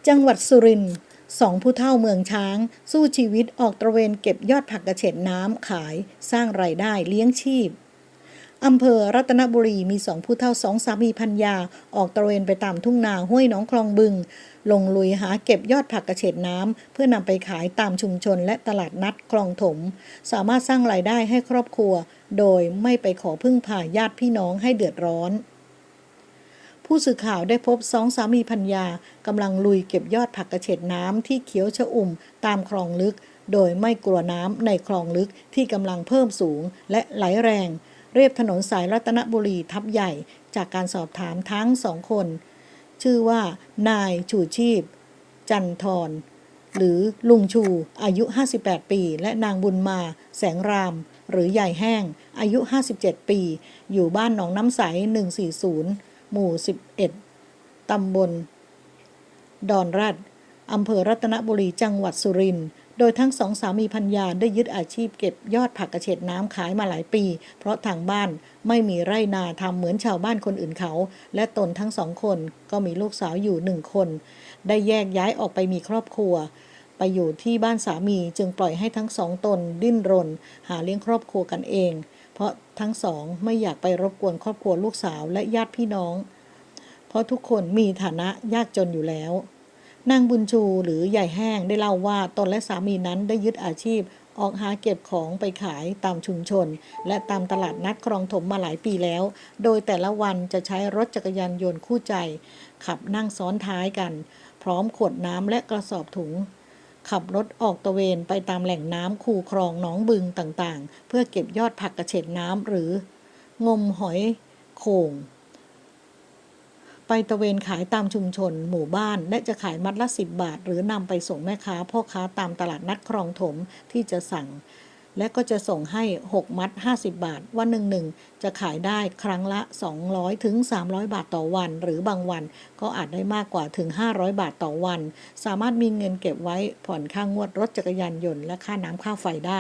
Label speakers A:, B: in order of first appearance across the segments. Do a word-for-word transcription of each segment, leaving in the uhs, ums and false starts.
A: จังหวัดสุรินทร์สองผู้เฒ่าเมืองช้างสู้ชีวิตออกตระเวนเก็บยอดผักกระเฉดน้ำขายสร้างรายได้เลี้ยงชีพอำเภอรัตนบุรีมีสองผู้เฒ่าสองสามีภรรยาออกตระเวนไปตามทุ่งนาห้วยหนองคลองบึงลงลุยหาเก็บยอดผักกระเฉดน้ำเพื่อนำไปขายตามชุมชนและตลาดนัดคลองถมสามารถสร้างรายได้ให้ครอบครัวโดยไม่ไปขอพึ่งพาญาติพี่น้องให้เดือดร้อนผู้สื่อข่าวได้พบสองสามีภรรยากำลังลุยเก็บยอดผักกระเฉดน้ำที่เขียวชอุ่มตามคลองลึกโดยไม่กลัวน้ำในคลองลึกที่กำลังเพิ่มสูงและไหลแรงเรียบถนนสายรัตนบุรีทับใหญ่จากการสอบถามทั้งสองคนชื่อว่านายชูชีพจันทร์หรือลุงชูอายุห้าสิบแปดปีและนางบุญมาแสงรามหรือใหญ่แห้งอายุห้าสิบเจ็ดปีอยู่บ้านหนองน้ำใสหนึ่งสี่ศูนย์หมู่สิบเอ็ดตำบลดอนรัดอำเภอรัตนบุรีจังหวัดสุรินทร์โดยทั้งสองสามีภรรยาได้ยึดอาชีพเก็บยอดผักกระเฉดน้ำขายมาหลายปีเพราะทางบ้านไม่มีไร่นาทำเหมือนชาวบ้านคนอื่นเขาและตนทั้งสองคนก็มีลูกสาวอยู่หนึ่งคนได้แยกย้ายออกไปมีครอบครัวไปอยู่ที่บ้านสามีจึงปล่อยให้ทั้งสองตนดิ้นรนหาเลี้ยงครอบครัวกันเองเพราะทั้งสองไม่อยากไปรบกวนครอบครัวลูกสาวและญาติพี่น้องเพราะทุกคนมีฐานะยากจนอยู่แล้วนางบุญชูหรือใหญ่แห้งได้เล่าว่าตนและสามีนั้นได้ยึดอาชีพออกหาเก็บของไปขายตามชุมชนและตามตลาดนัดคลองถมมาหลายปีแล้วโดยแต่ละวันจะใช้รถจักรยานยนต์คู่ใจขับนั่งซ้อนท้ายกันพร้อมขวดน้ำและกระสอบถุงขับรถออกตระเวนไปตามแหล่งน้ำคูคลองหนองบึงต่างๆเพื่อเก็บยอดผักกระเฉดน้ำหรืองมหอยโข่งไปตระเวนขายตามชุมชนหมู่บ้านและจะขายมัดละสิบบาทหรือนำไปส่งแม่ค้าพ่อค้าตามตลาดนัดคลองถมที่จะสั่งและก็จะส่งให้หกมัดห้าสิบบาทวันหนึ่งๆจะขายได้ครั้งละสองร้อยถึงสามร้อยบาทต่อวันหรือบางวันก็อาจได้มากกว่าถึงห้าร้อยบาทต่อวันสามารถมีเงินเก็บไว้ผ่อนค่างวดรถจักรยานยนต์และค่าน้ำค่าไฟได้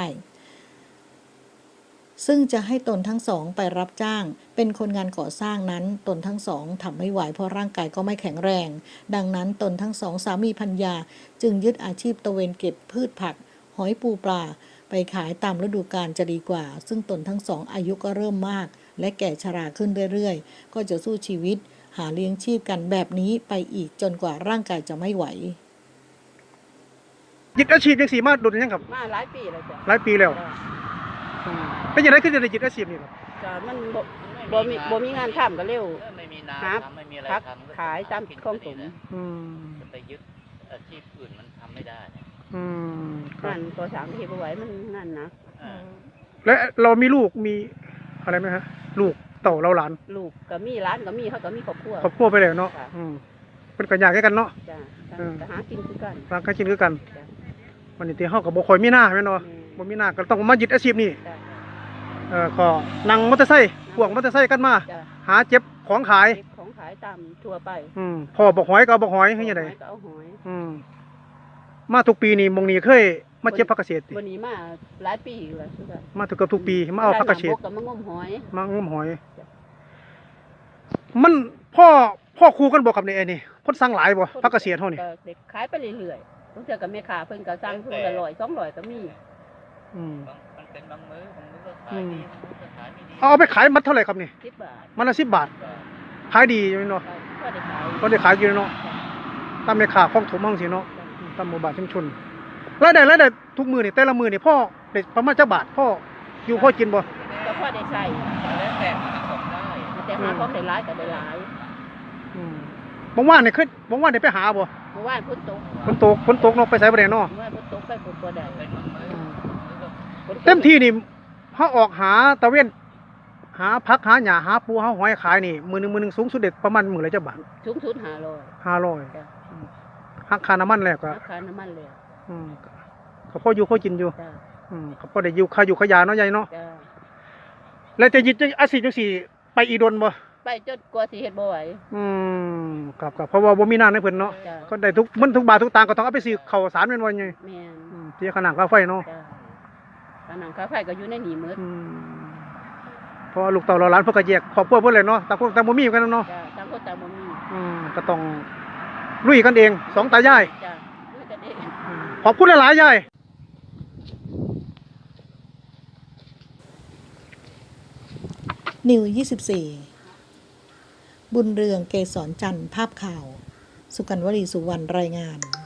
A: ซึ่งจะให้ตนทั้งสองไปรับจ้างเป็นคนงานก่อสร้างนั้นตนทั้งสองทำไม่ไหวเพราะร่างกายก็ไม่แข็งแรงดังนั้นตนทั้งสองสามีภรรยาจึงยึดอาชีพตระเวนเก็บพืชผักหอยปูปลาไปขายตามฤดูกาลจะดีกว่าซึ่งตนทั้งสองอายุก็เริ่มมากและแก่ชราขึ้นเรื่อยๆก็จะสู้ชีวิตหาเลี้ยงชีพกันแบบนี้ไปอีกจนกว่าร่างกายจะไม่ไหว
B: ยึดอาชีพยังสีมาดุนยังครับ
C: มาหลายปีแล้วจ้ะ
B: หลายปีแล้วเป็นยังไงขึ้นจะได้ยึดอาชีพนี่ครับ
C: จ้ะมันบ่บ่มีบ่มีงานทำก็เร็ว
D: ไม่มีนาทำไม่มีอะไร
C: พัก
D: ทำ
C: ขายตามคลองถม
D: จะไปยึดอาชีพอื่นมันทำไม่ได้
C: งานก่อสร้างที่บ่ไหวมันงานหนัก
B: และเรามีลูกมีอะไรไหมฮะลูกเต่าเราหลาน
C: ลูกก็มีหลานก็มีเขาก็มีครอบครัว
B: ครอบครัวไปแล้วเนาะเป็นกันยากแค่กันเนาะ
C: จ้ะก็หากินคือกัน
B: หากินคือกันวันนี้ที่เฮาก็บ่ค่อยมีหน้าแม่นบ่บ่มีหน้าก็ต้องมายึดอาชีพนี้เอ่อขอนั่งมอเตอร์ไซค์พ่วงมอเตอร์ไซค์กันมาหาเจ็บของขาย
C: ของขายตามทั่วไป
B: อืมพอบอกหอยก็เอาบอกหอยให้ยังไง
C: ก็เอาหอย
B: อืมมาทุกปีนี่มงนี้เคยมาเจ็บผักเกษตร
C: วันนี้มาหลายปีแล้ว
B: มาทุกกับทุกปีมาเอาผักเกษตร
C: มางมหอย
B: มางมหอยมันพ่อพ่อครูกันบอกกับในไอ้นี่คนสั่งหลายบ่ผักเกษตรเฮานี่
C: เด็กขายไปเรื่อยๆบางเทื่อก็แม่ค้าเพิ่นก็สั่งเพิ่นละร้อยสองร้อยก็มี
D: อืมมันเป็นบางมื้อบางมื้อก็ขายดีบางมื้อก็ขายไม่ดี
B: เอาไปขายมัดเท่าไหร่ครับนี่
C: สิบบาท
B: มันละสิบบาทขายดีอยู่เนาะ
C: ก็ได้ขาย
B: ก็ได้ขายอยู่เนาะตามแม่ค้าของถมมั่งสิเนาะตามหมู่บ้านชุมชนรายได้รายได้ทุกมื้อนี่แต่ละมื้อนี่พ่อได้ประมาณจักบาทพ่ออยู่พ่อกินบ่
C: ก็พอได้ใช้
D: แล้วแต่หาของได้
C: แต่หาของได้หลายก็ได้หลาย
B: อืมบางวันนี่เคยบางวันนี่ไปหาบ่
C: บางวันฝนตก
B: ฝนตกฝนตกเนาะไปไสบ่ได้เนาะ
C: บางวันฝนตกไปฝนบ่ได้
B: เต็มที่นี่เฮาออกหาตะเวนหาผักหาหญ้าหาปูหาหอยขายนี่มื้อนึงมื้อนึงสูงสุดเด็ดประมาณมื้อละจักบาท
C: สูงสุดห้าร้อย
B: ห้าร้อยหักค่าน้ำมันแล้วก็
C: หักค่าน้ำมันแล้ว
B: อืมก็พออยู่พอกินอยู่อืมก็พอได้อยู่ค่าอยู่ค่ายาเนาะใหญ่เนาะแล้วจะยึดอาชีพจังซี่ไปอีดนบ่
C: ไปจนกว่าสิเฮ็ดบ่ไหว
B: อืมครับๆเพราะว่าบ่มีน้ำในเพิ่นเนาะก็ได้ทุกมันทุกบาททุกตังค์ก็ต้องเอาไปซื้อข้าวสารแม่นบ่ใหญ่
C: แม่น
B: อืมเสียค่าน้ำค่าไฟเนาะ
C: ค่าน้ำค่าไฟก็อยู่ในนี้หมด
B: อืมเพราะลูกเต่าเราหลานเพิ่นก็แยกครอบครัวเพิ่นเลยเนาะต่างคนต่างบ่มีกันเนาะ
C: จ้ะต่างคนต่างบ่มี
B: อืมก็ต้องลุยกันเองสองตายาย
C: จ้ะลุยกันเอง
B: ขอบคุณหลายๆยาย
A: นิวยี่สิบสี่บุญเรืองเกษรจันทร์ภาพข่าว สุกันวลีสุวรรณรายงาน